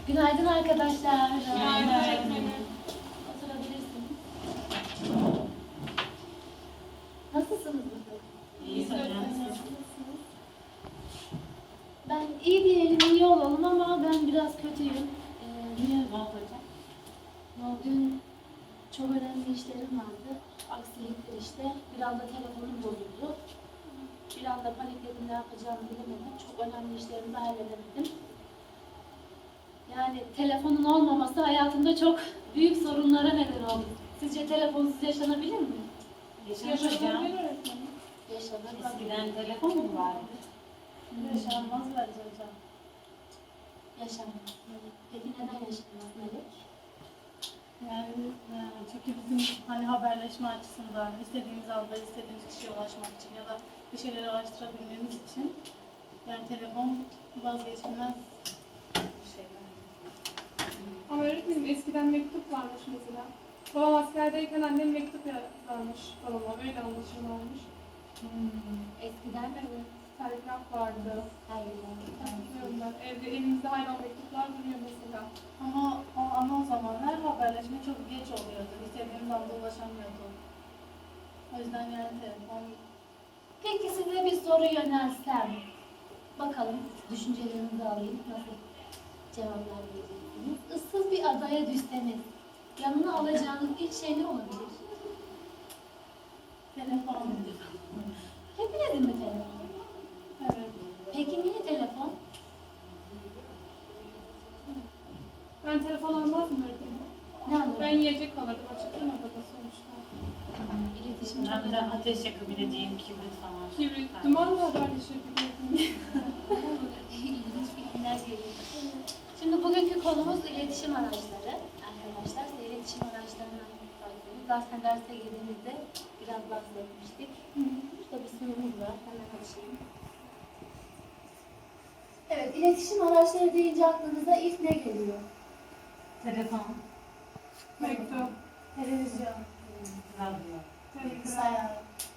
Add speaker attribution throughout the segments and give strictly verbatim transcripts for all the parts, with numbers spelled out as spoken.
Speaker 1: Günaydın arkadaşlar.
Speaker 2: Günaydın öğretmenim.
Speaker 1: Oturabilirsiniz. Nasılsınız bakalım?
Speaker 2: İyi hocam.
Speaker 1: Ben iyi diyelim, iyi olalım ama ben biraz kötüyüm. Ee,
Speaker 2: Niye var hocam?
Speaker 1: Dün çok önemli işlerim vardı. Aksilikler işte. Bir anda telefonum bozuldu. Bir anda panikledim, ne yapacağımı bilemedim. Çok önemli işlerimi de halledemedim. Yani telefonun olmaması hayatımda çok büyük sorunlara neden oldu. Sizce telefonsuz yaşanabilir mi?
Speaker 2: Yaşanır hocam.
Speaker 1: Yaşanır.
Speaker 2: Eskiden telefon mu vardı?
Speaker 3: Yaşanmaz bence hocam.
Speaker 1: Yaşanmaz. Peki neden yaşanmaz Melek?
Speaker 3: Yani e, çünkü bizim hani haberleşme açısından istediğimiz anda istediğimiz kişiye ulaşmak için ya da bir şeyleri araştırabilmemiz için yani telefon vazgeçilmez bir şey.
Speaker 4: Ama öğretmenim eskiden mektup varmış mesela. Babam askerdeyken annem mektup yazarmış babama. Öyle anlaşılmamış.
Speaker 1: Hmm. Eskiden mi?
Speaker 4: Evet. Telgraf vardı.
Speaker 1: Hayır.
Speaker 4: Hatırlıyorum ben. Evde elimizde hala mektuplar duruyor mesela.
Speaker 3: Ama o, ama o zamanlar haberleşme çok geç oluyordu. İstediğimiz anda ulaşamıyorduk. O yüzden yani telefon
Speaker 1: Peki size bir soru yönelsem. Bakalım düşüncelerinizi alayım. Nasıl cevaplar vereceksiniz? Issız bir adaya düşseniz yanına alacağınız ilk şey ne olabilir?
Speaker 3: telefon.
Speaker 1: Hepinizin mi telefon?
Speaker 3: Evet.
Speaker 1: Peki niye telefon?
Speaker 4: Ben telefon almazdım öğretmenim.
Speaker 1: Ne anlamı?
Speaker 4: Ben yiyecek alırdım açıkçası odada sonuçta.
Speaker 1: İletişim çok
Speaker 2: Ben de
Speaker 1: önemli.
Speaker 2: ateş yakabileceğim kibrit falan.
Speaker 4: Kibrit, dumanla haberleşebilirdim.
Speaker 1: İlginç bilgiler geliyor. Şimdi bugünkü konumuz iletişim araçları. Arkadaşlar size iletişim araçlarından bahsediyoruz. Zaten derse girdiğimizde biraz bahsetmiştik. Burada bir sunumumuz var. Hemen açayım. Evet, iletişim araçları deyince aklınıza ilk ne geliyor?
Speaker 2: Telefon,
Speaker 4: Mektup,
Speaker 3: Televizyon.
Speaker 2: radyo.
Speaker 4: telgraf.
Speaker 3: Bilgisayar.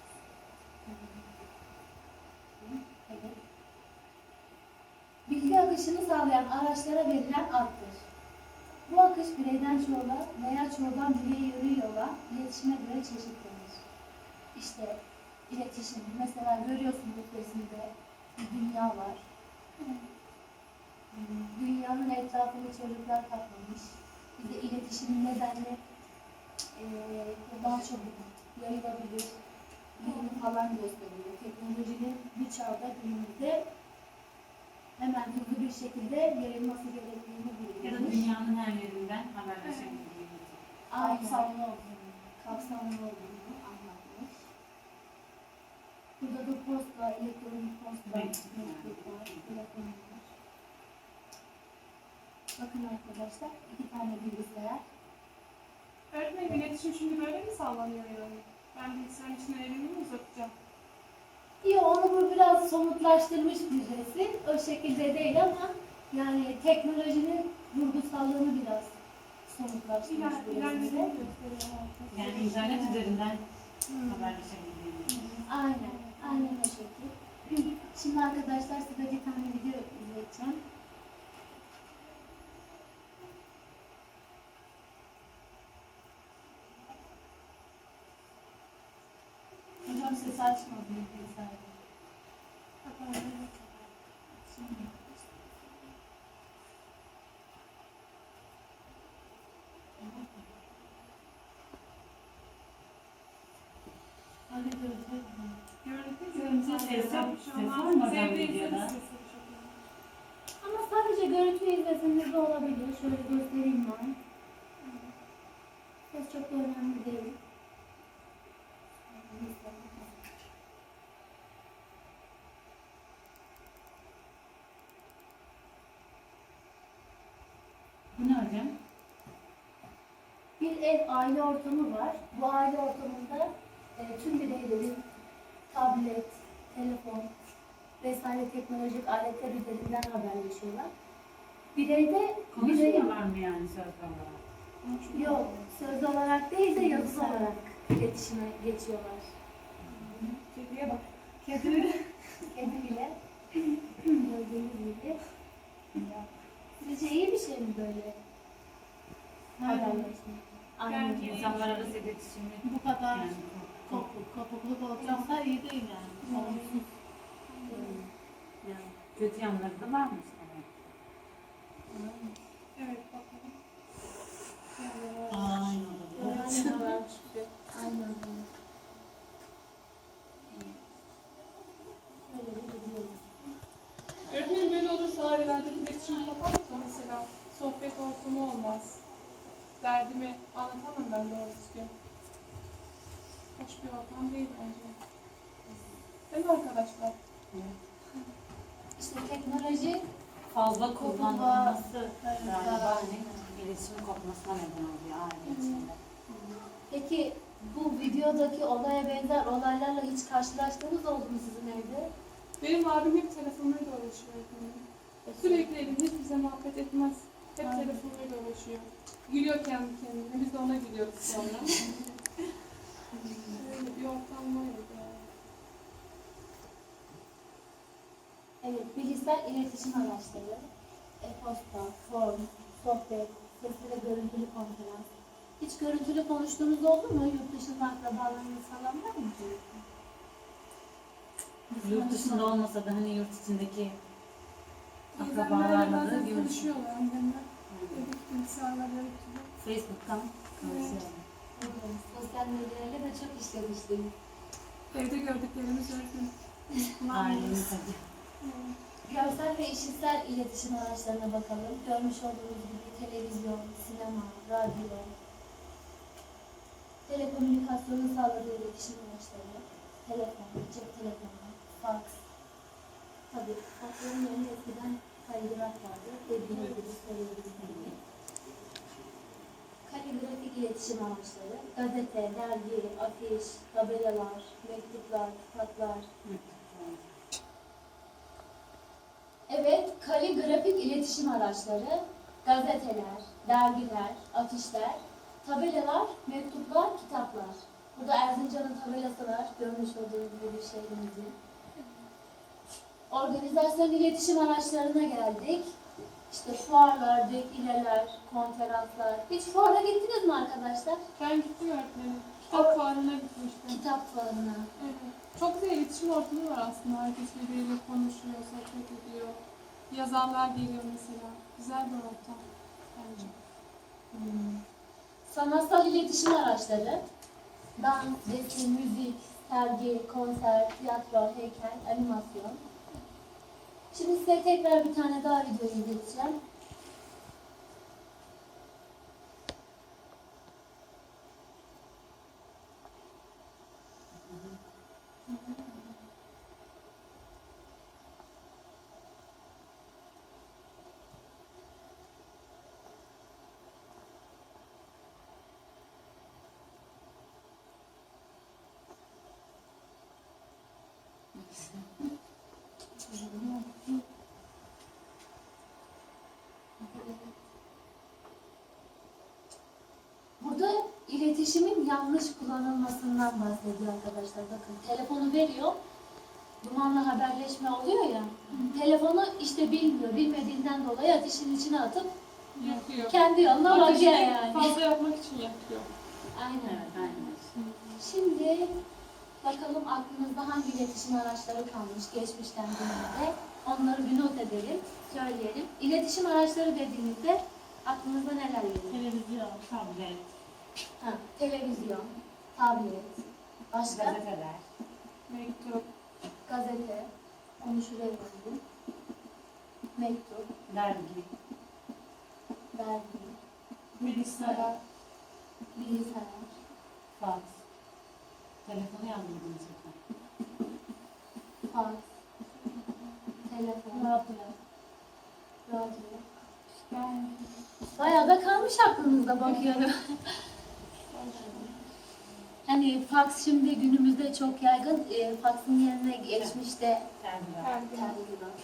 Speaker 1: Evet. Bilgi akışını sağlayan araçlara verilen addır. Bu akış bireyden çoğula veya çoğuldan bireye yürü yola iletişime göre çeşitlenir. İşte iletişim, mesela görüyorsunuz resimde bir dünya var. Dünyanın etrafını çocuklar kaplamış. Bir de iletişimin nedenle eee daha çabuk yayılabilir, yayını falan gösteriyor. Teknolojinin bir çağda günümüzde hemen hızlı bir şekilde yayılması gerektiğini
Speaker 2: Ya da
Speaker 1: biliyoruz.
Speaker 2: dünyanın her yerinden haberleşebildiğimiz.
Speaker 1: Aynen.
Speaker 3: Kapsamlı olduğunu.
Speaker 1: Kapsamlı olduğunu anlatmış. Burada da posta, elektronik posta,
Speaker 2: Mektup.
Speaker 1: mektuplar, telefonlar. Bakın arkadaşlar, iki tane bilgisayar.
Speaker 4: Öğretmenim iletişim şimdi böyle mi sağlanıyor yani? Ben bilgisayarın içine elimi mi uzatacağım?
Speaker 1: İyi, onu bu biraz somutlaştırmış bir resim. O şekilde değil ama yani teknolojinin vurgusallığını biraz somutlaştırmış
Speaker 4: İler,
Speaker 1: bir
Speaker 4: ilerlediğini
Speaker 1: resimde.
Speaker 4: gösteriyor.
Speaker 2: Yani internet üzerinden haberleşebildiğimiz.
Speaker 1: Aynen, aynen o şekilde. Şimdi arkadaşlar size bir tane video izleteceğim.
Speaker 3: Hocam ses açmadı bilgisayarda. Hadi görüşürüz.
Speaker 4: Görüntü
Speaker 2: Görüntü, ses yok. Ses
Speaker 4: Şu
Speaker 2: var
Speaker 4: an
Speaker 2: mı hocam
Speaker 4: sevdiği
Speaker 2: videoda?
Speaker 4: ses sesi çok iyi.
Speaker 1: Ama sadece görüntü izlesinler de olabilir. Şöyle göstereyim ben. Ses çok da önemli değil.
Speaker 2: Bu ne hocam?
Speaker 1: Bir ev, aile ortamı var. Bu aile ortamında e, tüm bireylerin tablet, telefon vesaire teknolojik aletler üzerinden haberleşiyorlar. Bireyde birey
Speaker 2: Konuşmuyorlar mı yani söz olarak?
Speaker 1: yok, söz olarak değil de yazılı olarak iletişime geçiyorlar.
Speaker 4: Kediye bak.
Speaker 1: Kedi, kedi bile gördüğünüz gibi Sizce iyi bir şey mi böyle? Haberleşme. Aynen.
Speaker 2: İnsanlar arası iletişimi
Speaker 3: Bu kadar
Speaker 2: yani
Speaker 3: kopuk, kopukluk olacaksa iyi değil yani. Olumsuz.
Speaker 2: yani kötü yanları da varmış.
Speaker 4: Evet bakalım.
Speaker 3: Aynen.
Speaker 1: Aynen. Aynen. Öyle de gidiyoruz.
Speaker 4: Öğretmenim böyle olursa ailelerdeki iletişim kopar mı mesela? Sohbet ortamı olmaz. Derdimi anlatamam ben doğru düzgün. Hoş bir ortam değil bence. Değil mi arkadaşlar?
Speaker 1: İşte teknoloji
Speaker 2: Fazla kullanılması
Speaker 3: Evet,
Speaker 2: galiba
Speaker 3: zarar.
Speaker 2: hani iletişim kopmasına neden oluyor aile içinde.
Speaker 1: Peki bu videodaki olaya benzer olaylarla hiç karşılaştığınız oldu mu sizin evde?
Speaker 4: Benim abim hep telefonuyla uğraşıyor öğretmenim. Sürekli evinde hiç bize muhabbet etmez. Hep
Speaker 3: Aynen.
Speaker 4: telefonuyla uğraşıyor. Gülüyor kendi kendine. Biz de ona gülüyoruz sonra. Öyle bir ortam var ya.
Speaker 1: Evet, bilgisayar iletişim araçları, e-posta, form, sohbet, sesli ve görüntülü konferans. Hiç görüntülü konuştuğunuz oldu mu? Yurt dışında akrabalarınız falan var mı?
Speaker 2: Yurt dışında olmasa da hani yurt içindeki
Speaker 4: Teyzemlerle
Speaker 2: akrabalarla da
Speaker 4: bazen
Speaker 2: görüşüyor.
Speaker 4: konuşuyorlar annemler. Evdeki bilgisayarlarla yapıyor.
Speaker 2: Facebook'tan konuşuyor.
Speaker 1: Evet, sosyal medyayla da çok işlemiştim.
Speaker 4: Evde gördüklerimiz öğretmenim.
Speaker 2: Ailemiz hadi.
Speaker 4: Evet.
Speaker 1: Görsel ve işitsel iletişim araçlarına bakalım. Görmüş olduğunuz gibi televizyon, sinema, radyo, telekomünikasyonun sağladığı iletişim araçları, telefon, cep telefonu, fax. Tabii faxların yerine eskiden kaligraf vardı. Dediğiniz gibi söylediğiniz gibi. Kaligrafik iletişim araçları, gazete, dergi, afiş, tabelalar, mektuplar, kitaplar. Evet, kaligrafik iletişim araçları, gazeteler, dergiler, afişler, tabelalar, mektuplar, kitaplar. Burada Erzincan'ın tabelası var, görmüş olduğunuz gibi bir şehrimizin. Organizasyon iletişim araçlarına geldik. İşte fuarlar, defileler, konferanslar. Hiç fuara gittiniz mi arkadaşlar?
Speaker 4: Ben gittim öğretmenim. Kitap fuarına gitmiştim.
Speaker 1: Kitap fuarına.
Speaker 4: Evet. Çok güzel iletişim ortamı var aslında. Herkes birbiriyle konuşuyor, sohbet ediyor. Yazarlar geliyor mesela. Güzel bir ortam bence.
Speaker 1: Hmm. Sanatsal iletişim araçları, dans, resim, müzik, sergi, konser, tiyatro, heykel, animasyon. Şimdi size tekrar bir tane daha video izleteceğim. Burada iletişimin yanlış kullanılmasından bahsediyor arkadaşlar. Bakın telefonu veriyor, dumanlı haberleşme oluyor ya. Telefonu işte bilmiyor, bilmediğinden dolayı ateşin içine atıp
Speaker 4: Yapıyor.
Speaker 1: kendi yoluna bakıyor
Speaker 4: Ateşini
Speaker 1: yani.
Speaker 4: fazla yapmak için yapıyor.
Speaker 1: Aynen.
Speaker 2: Evet, aynen.
Speaker 1: Şimdi bakalım aklınızda hangi iletişim araçları kalmış geçmişten günümüze. Onları bir not edelim, söyleyelim. İletişim araçları dediğimizde aklınıza neler geliyor?
Speaker 3: Televizyon.
Speaker 2: Tablet,
Speaker 1: Ha, televizyon, tablet, başka
Speaker 2: gazeteler,
Speaker 4: Mektup.
Speaker 1: gazete, onu şuraya koydum. Mektup,
Speaker 2: dergi,
Speaker 1: dergi,
Speaker 3: Bilgisayar.
Speaker 1: bilgisayar,
Speaker 2: fax. Telefonu yazdırdım zaten.
Speaker 1: fax, telefon,
Speaker 3: Radyo.
Speaker 1: radyo.
Speaker 3: Yani
Speaker 1: Bayağı da kalmış aklınızda bakıyorum. Hani fax şimdi günümüzde çok yaygın. E, faxın yerine geçmişte
Speaker 2: Dergiler.
Speaker 4: Dergi.
Speaker 1: telgraf.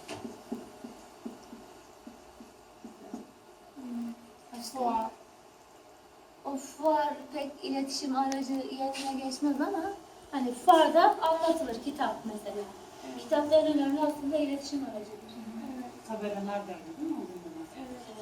Speaker 4: Hmm.
Speaker 1: Başka?
Speaker 4: Fuar.
Speaker 1: O fuar pek iletişim aracı yerine geçmez ama hani fuarda anlatılır kitap mesela.
Speaker 4: Evet.
Speaker 1: Kitapların önemli aslında iletişim aracıdır.
Speaker 4: Evet.
Speaker 2: Tabelalar da öyle değil mi? Onun da var.
Speaker 4: Evet.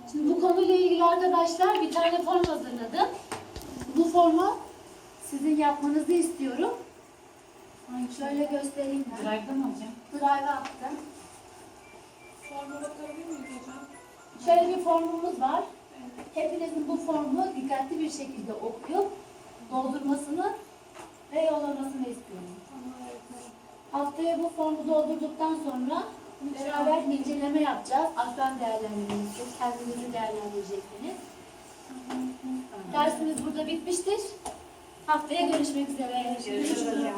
Speaker 1: Şimdi bu konuyla ilgili arkadaşlar bir tane form hazırladım. Bu formu sizin yapmanızı istiyorum. Şöyle göstereyim ben.
Speaker 2: Drive'da mı hocam?
Speaker 1: Drive'a attım.
Speaker 4: Forma bakabilir miyiz hocam?
Speaker 1: Şöyle bir formumuz var. Hepinizin bu formu dikkatli bir şekilde okuyup doldurmasını ve yollamasını istiyorum.
Speaker 4: Tamam öğretmenim.
Speaker 1: Haftaya bu formu doldurduktan sonra beraber inceleme yapacağız. Aslan değerlendirmesi, kendinizi değerlendireceksiniz. Dersimiz burada bitmiştir. Haftaya görüşmek üzere.
Speaker 2: Görüşürüz hocam.